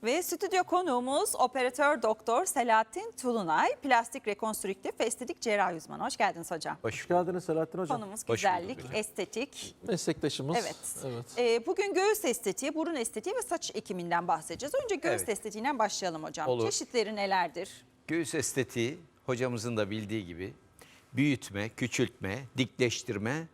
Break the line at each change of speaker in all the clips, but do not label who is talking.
Ve stüdyo konuğumuz operatör doktor Selahattin Tulunay, plastik rekonstrüktif ve estetik cerrahi uzmanı. Hoş geldiniz hocam.
Hoş geldiniz Selahattin Hocam.
Konumuz güzellik, estetik.
Meslektaşımız.
Evet. Bugün göğüs estetiği, burun estetiği ve saç ekiminden bahsedeceğiz. Önce göğüs estetiğinden başlayalım hocam.
Olur.
Çeşitleri nelerdir?
Göğüs estetiği hocamızın da bildiği gibi büyütme, küçültme, dikleştirme,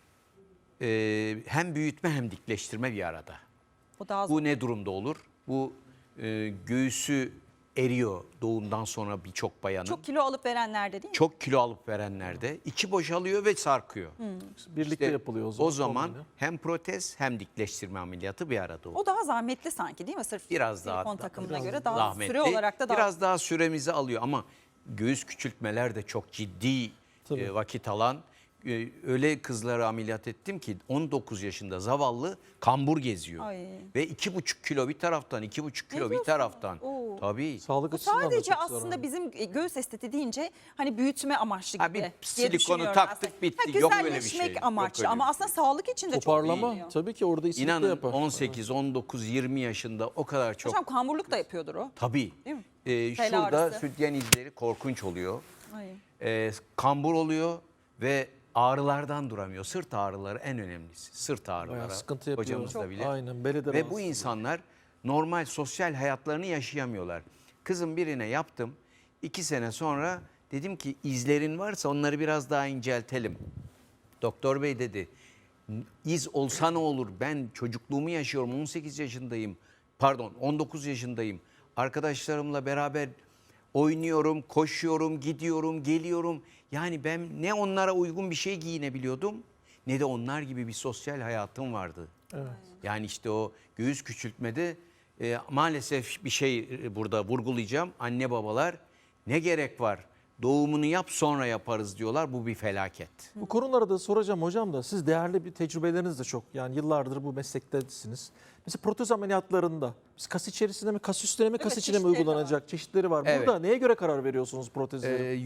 hem büyütme hem dikleştirme bir arada.
O daha
Bu ne durumda olur? Bu göğüsü eriyor doğumdan sonra birçok bayanın.
çok kilo alıp verenlerde değil mi?
Çok kilo alıp verenlerde içi boşalıyor ve sarkıyor.
Birlikte
İşte
yapılıyor o zaman.
O zaman
kombine.
hem protez hem dikleştirme ameliyatı bir arada olur.
O daha zahmetli sanki değil mi? Sırf
Biraz daha
silikon takımına
biraz
göre daha
zahmetli.
süre olarak da daha...
Biraz daha süremizi alıyor ama göğüs küçültmeler de çok ciddi
Tabii.
vakit alan. Öyle kızları ameliyat ettim ki 19 yaşında zavallı kambur geziyor.
Ay.
Ve 2,5 kilo bir taraftan, 2,5 kilo bir
diyorsun?
taraftan.
Oo.
Tabii.
Sağlık
Bu
açısından da
sadece
çok
aslında
zararlı.
bizim göğüs estetiği deyince hani büyütme amaçlı
Ha,
gibi
bir
diye
silikonu
düşünüyorum
taktık,
aslında.
bitti. Yok öyle bir
güzelleşmek
şey. Yok
amaçlı
öyle
ama
bir
aslında sağlık için de çok iyi
Toparlama
geliyor.
tabii ki orada iyilik de
İnanın
yapar.
18, 19, 20 yaşında o kadar çok.
Hocam kamburluk da yapıyordur o.
Tabii.
Değil mi? Bel
Şurada
ağrısı.
sütyen izleri korkunç oluyor.
Ay.
Kambur oluyor ve ağrılardan duramıyor. Sırt ağrıları en önemlisi. Sırt ağrıları.
Bayağı sıkıntı yapıyor.
Hocamız da bilir.
Aynen, beli de
Ve
rahatsız
bu insanlar normal sosyal hayatlarını yaşayamıyorlar. Kızım birine yaptım. 2 sene sonra dedim ki izlerin varsa onları biraz daha inceltelim. Doktor bey dedi, iz olsa ne olur, ben çocukluğumu yaşıyorum, 18 yaşındayım, pardon 19 yaşındayım. Arkadaşlarımla beraber oynuyorum, koşuyorum, gidiyorum, geliyorum. Yani ben ne onlara uygun bir şey giyinebiliyordum ne de onlar gibi bir sosyal hayatım vardı.
Evet.
Yani işte o göğüs küçültmede maalesef bir şey burada vurgulayacağım. Anne babalar ne gerek var? Doğumunu yap sonra yaparız diyorlar. Bu bir felaket.
Bu konulara da soracağım hocam da siz değerli bir tecrübeleriniz de çok. Yani yıllardır bu meslektesiniz. Mesela protez ameliyatlarında biz kas içerisinde mi, kas üstüne mi, kas
Evet,
içine mi
çeşitleri
uygulanacak çeşitleri var.
Evet.
Burada neye göre karar veriyorsunuz protezleri?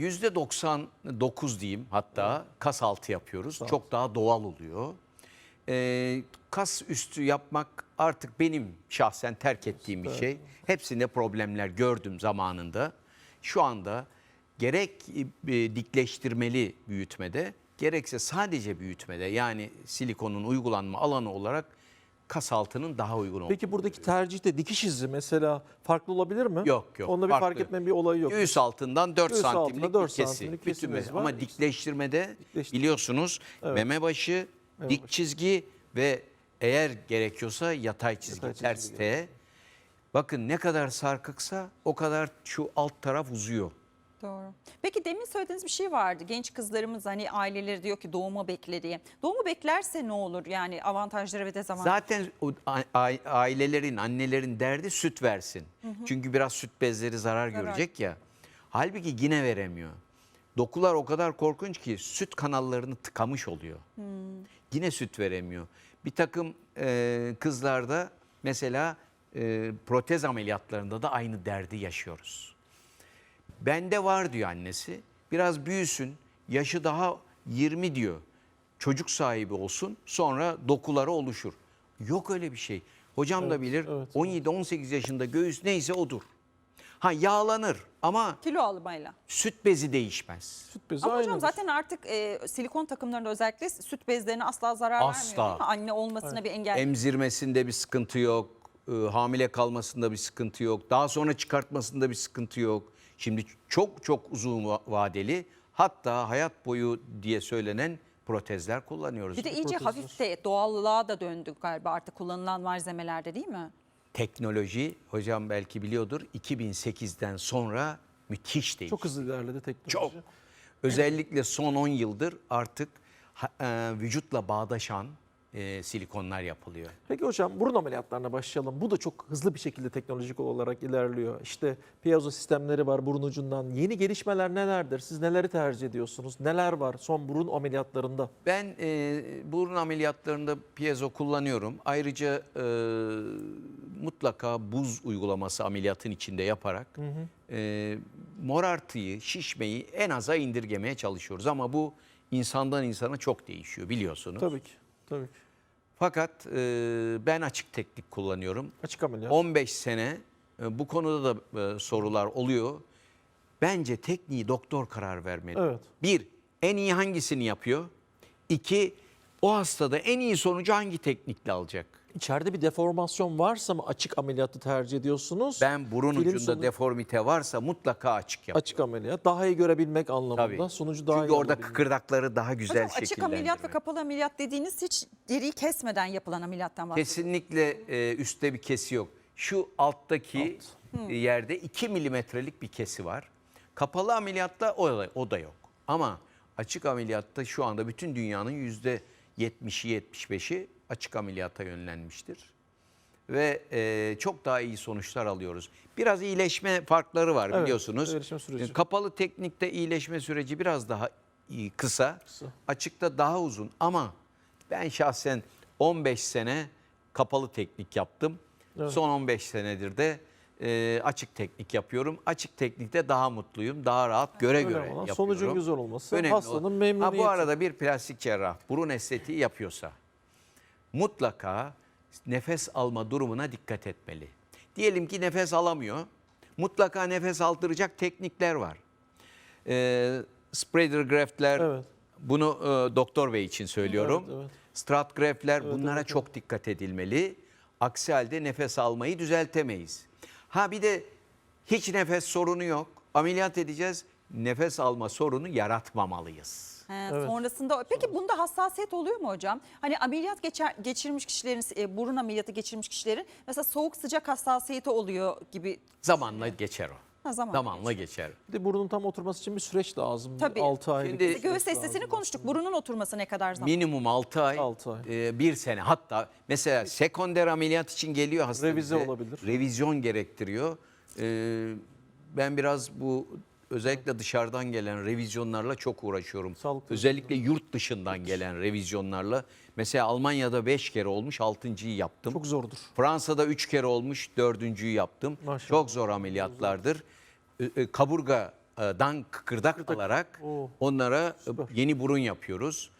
%99 diyeyim hatta kas altı yapıyoruz. Çok daha doğal oluyor. Kas üstü yapmak artık benim şahsen terk ettiğim bir şey. Hepsinde problemler gördüm zamanında. Şu anda gerek dikleştirmeli büyütmede gerekse sadece büyütmede yani silikonun uygulanma alanı olarak kas altının daha uygun olduğu.
Peki buradaki tercihte dikiş izi mesela farklı olabilir mi?
Yok.
Onda bir
farklı.
fark etmenin bir olayı yok.
Göğüs altından 4
Göğüs altında
santimlik
4
bir kesi.
santimlik
Bütün
kesimiz
mes-
var.
Ama dikleştirmede
Dikleştirme.
biliyorsunuz meme başı, dik çizgi ve eğer gerekiyorsa yatay çizgi,
Yatay çizgi
ters T. Bakın ne kadar sarkıksa o kadar şu alt taraf uzuyor.
Doğru. Peki demin söylediğiniz bir şey vardı. Genç kızlarımız hani aileleri diyor ki doğumu bekle diye. Doğumu beklerse ne olur? Yani avantajları ve dezavantajları.
Zaten o ailelerin, annelerin derdi süt versin. Çünkü biraz süt bezleri zarar görecek ya. Halbuki yine veremiyor. Dokular o kadar korkunç ki süt kanallarını tıkamış oluyor. Yine süt veremiyor. Bir takım kızlarda mesela protez ameliyatlarında da aynı derdi yaşıyoruz. Bende var diyor annesi. Biraz büyüsün, yaşı daha 20 diyor. Çocuk sahibi olsun, sonra dokuları oluşur. Yok öyle bir şey. Hocam da bilir,
evet.
17-18 yaşında göğüs neyse odur. Ha yağlanır ama
Kilo almayla.
süt bezi değişmez.
Süt bezi
Ama hocam
aynıdır.
zaten artık silikon takımlarında özellikle süt bezlerine asla zarar
Asla.
vermiyor değil mi? Anne olmasına bir engel.
Emzirmesinde bir sıkıntı yok, hamile kalmasında bir sıkıntı yok, daha sonra çıkartmasında bir sıkıntı yok. Şimdi çok çok uzun vadeli, hatta hayat boyu diye söylenen protezler kullanıyoruz.
Bir de iyice hafif de doğallığa da döndük galiba artık kullanılan malzemelerde değil mi?
Teknoloji, hocam belki biliyordur, 2008'den sonra müthiş değişti.
Çok hızlı ilerledi teknoloji.
Çok. Özellikle son 10 yıldır artık vücutla bağdaşan silikonlar yapılıyor.
Peki hocam burun ameliyatlarına başlayalım. Bu da çok hızlı bir şekilde teknolojik olarak ilerliyor. İşte piezo sistemleri var burun ucundan. Yeni gelişmeler nelerdir? Siz neleri tercih ediyorsunuz? Neler var son burun ameliyatlarında?
Ben burun ameliyatlarında piezo kullanıyorum. Ayrıca mutlaka buz uygulaması ameliyatın içinde yaparak morartıyı, şişmeyi en aza indirgemeye çalışıyoruz. Ama bu insandan insana çok değişiyor biliyorsunuz.
Tabii ki. Tabii ki.
Fakat ben açık teknik kullanıyorum.
Açık ameliyat.
15 sene bu konuda da sorular oluyor. Bence tekniği doktor karar vermeli.
Evet.
Bir, en iyi hangisini yapıyor? İki, o hastada en iyi sonucu hangi teknikle alacak?
İçeride bir deformasyon varsa mı açık ameliyatı tercih ediyorsunuz?
Ben burun
Film
ucunda
sonu-
deformite varsa mutlaka açık yap.
Açık ameliyat. Daha iyi görebilmek anlamında.
Tabii.
Sonucu daha
Çünkü
iyi
orada
alabilmek.
kıkırdakları daha güzel
Hocam açık ameliyat ve
şekillendirmek.
kapalı ameliyat dediğiniz hiç deriyi kesmeden yapılan ameliyattan bahsediyoruz.
Kesinlikle üstte bir kesi yok. Şu alttaki yerde 2 milimetrelik bir kesi var. Kapalı ameliyatta o da yok. Ama açık ameliyatta şu anda bütün dünyanın %70'i 75'i açık ameliyata yönlenmiştir. Ve çok daha iyi sonuçlar alıyoruz. Biraz iyileşme farkları var
Evet,
biliyorsunuz.
iyileşme süreci.
Kapalı teknikte iyileşme süreci biraz daha kısa, açıkta daha uzun. Ama ben şahsen 15 sene kapalı teknik yaptım.
Evet.
Son 15 senedir de açık teknik yapıyorum. Açık teknikte daha mutluyum, daha rahat göre
Önemli
göre
olan
yapıyorum.
sonucun güzel olması,
Önemli
hastanın
olan-
memnuniyeti.
Bu arada bir plastik cerrah burun estetiği yapıyorsa mutlaka nefes alma durumuna dikkat etmeli. Diyelim ki nefes alamıyor. Mutlaka nefes aldıracak teknikler var. Spreader graftler,
Evet.
bunu Doktor Bey için söylüyorum.
Evet, evet.
Strat graftler,
Evet,
bunlara
evet,
çok dikkat edilmeli. Aksi halde nefes almayı düzeltemeyiz. Ha bir de hiç nefes sorunu yok. Ameliyat edeceğiz. Nefes alma sorunu yaratmamalıyız.
Evet.
Sonrasında peki bunda hassasiyet oluyor mu hocam? Hani ameliyat geçirmiş kişilerin, burun ameliyatı geçirmiş kişilerin mesela soğuk sıcak hassasiyeti oluyor gibi.
Zamanla geçer o.
Ha,
Zamanla geçer.
Bir de burnun tam oturması için bir süreç lazım.
Tabii.
6 aylık.
Şimdi-
bir
Biz göğüs
süreç
estesini
lazım.
konuştuk. Burunun oturması ne kadar zaman?
Minimum 6 ay,
6 ay.
1 sene. Hatta mesela sekonder ameliyat için geliyor hasta
Revize
bize.
olabilir.
Revizyon gerektiriyor. Ben biraz bu özellikle dışarıdan gelen revizyonlarla çok uğraşıyorum.
Sağlıklı.
Özellikle yurt dışından gelen revizyonlarla. Mesela Almanya'da 5 kere olmuş, 6.'yı yaptım.
Çok zordur.
Fransa'da 3 kere olmuş, 4.'yü yaptım.
Maşallah.
Çok zor ameliyatlardır. Kaburgadan kıkırdak alarak
Oo.
onlara
Süper.
yeni burun yapıyoruz.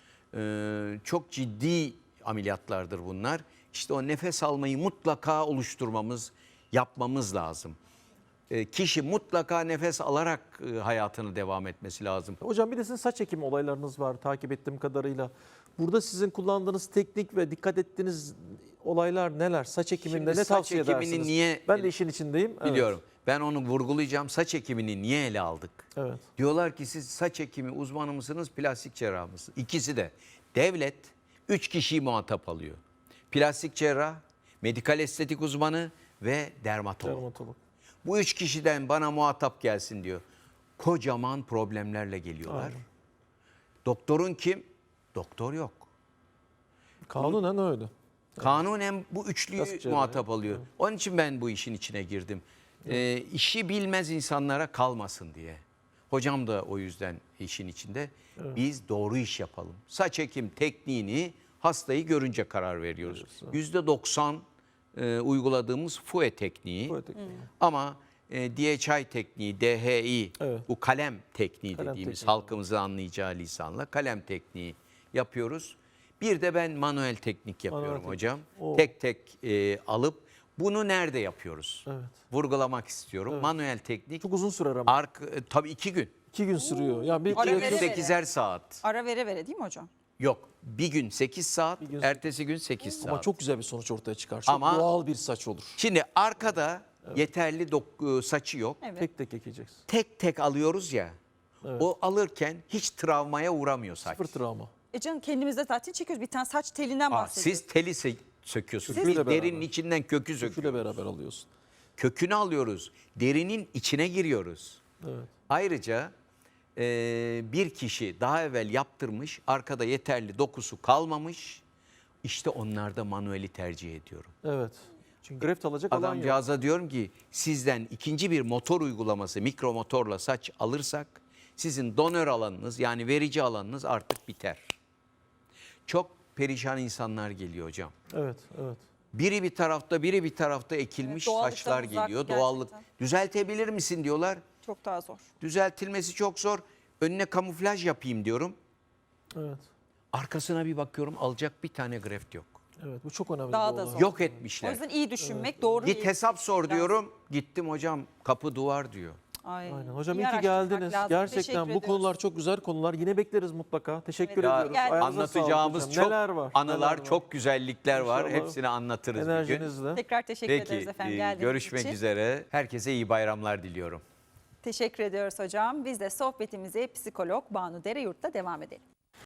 Çok ciddi ameliyatlardır bunlar. İşte o nefes almayı mutlaka oluşturmamız, yapmamız lazım. Kişi mutlaka nefes alarak hayatını devam etmesi lazım.
Hocam bir de sizin saç ekimi olaylarınız var takip ettiğim kadarıyla. Burada sizin kullandığınız teknik ve dikkat ettiğiniz olaylar neler? Saç ekiminde
Şimdi
ne
saç
tavsiye
ekimini
edersiniz?
niye-
Ben de işin içindeyim. Evet.
Biliyorum. Ben onu vurgulayacağım. Saç ekimini niye ele aldık?
Evet.
Diyorlar ki siz saç ekimi uzmanı mısınız, plastik cerrah mısınız? İkisi de. Devlet 3 kişiyi muhatap alıyor. Plastik cerrah, medikal estetik uzmanı ve dermatolog.
Dermatolog.
Bu 3 kişiden bana muhatap gelsin diyor. Kocaman problemlerle geliyorlar.
Aynen.
Doktorun kim? Doktor yok.
Kanunen öyle.
Kanunen bu üçlüyü
Plastik cerrahi.
muhatap alıyor. Onun için ben bu işin içine girdim. İşi bilmez insanlara kalmasın diye. Hocam da o yüzden işin içinde. Biz doğru iş yapalım. Saç ekim tekniğini hastayı görünce karar veriyoruz. %90 uyguladığımız FUE tekniği.
Bu teknik.
Ama DHI tekniği, DHI,
Evet.
bu kalem tekniği
Kalem
dediğimiz
tekniği.
halkımızın anlayacağı lisanla kalem tekniği yapıyoruz. Bir de ben manuel teknik yapıyorum
teknik.
hocam.
Oo.
Tek tek alıp bunu nerede yapıyoruz?
Evet.
Vurgulamak istiyorum. Manuel teknik
Çok uzun sürer ama.
tabii 2 gün.
2 gün sürüyor. Ya bir
Ara
Bir
vere
gün
vere.
8'er saat.
Ara vere vere değil mi hocam?
Yok, bir gün 8 saat,
gün-
ertesi gün 8 saat.
ama çok güzel bir sonuç ortaya çıkar. Çok
Ama-
doğal bir saç olur.
Şimdi arkada yeterli saçı yok.
Evet.
Tek tek ekeceksin.
Tek tek alıyoruz ya.
Evet.
O alırken hiç travmaya uğramıyor saç.
Sıfır travma.
Canım kendimizde zaten çekiyoruz. Bir tane saç telinden bahsediyoruz.
Siz teli söküyorsunuz.
Köküyle
Biz derinin
beraber.
içinden kökü söküyoruz.
Köküyle beraber alıyorsun.
Kökünü alıyoruz. Derinin içine giriyoruz.
Evet.
Ayrıca bir kişi daha evvel yaptırmış, arkada yeterli dokusu kalmamış. İşte onlarda manueli tercih ediyorum.
Evet. Çünkü graft alacak alan yok.
Adamcağıza diyorum ki sizden ikinci bir motor uygulaması, mikro motorla saç alırsak sizin donör alanınız yani verici alanınız artık biter. Çok perişan insanlar geliyor hocam.
Evet, evet.
Biri bir tarafta, biri bir tarafta ekilmiş
Evet, doğallıktan
saçlar
uzak
geliyor.
gerçekten.
Doğallık. Düzeltebilir misin diyorlar.
Çok daha zor.
Düzeltilmesi çok zor. Önüne kamuflaj yapayım diyorum.
Evet.
Arkasına bir bakıyorum alacak bir tane graft yok.
Evet, bu çok önemli
Daha
bir
da
olay.
zor.
Yok
O
etmişler.
yüzden iyi düşünmek, doğru.
Git
iyi
hesap sor
düşünmek
diyorum. Gittim hocam kapı duvar diyor.
lazım. Ay,
Aynen. Hocam
iyi
iyi ki
araştırmak
geldiniz.
lazım.
Gerçekten
Teşekkür
bu
ediyoruz.
konular çok güzel konular. Yine bekleriz mutlaka. Teşekkür
Evet,
ediyoruz.
geldiniz.
Ayağınıza sağlık
Anlatacağımız
hocam.
çok
neler var?
anılar,
neler var?
çok güzellikler var.
İnşallah
Hepsini anlatırız bir gün.
Enerjinizle.
Tekrar teşekkür ederiz
Peki,
efendim geldiğiniz
görüşmek
için.
üzere. Herkese iyi bayramlar diliyorum.
Teşekkür ediyoruz hocam. Biz de sohbetimize psikolog Banu Dereyurt'ta devam edelim.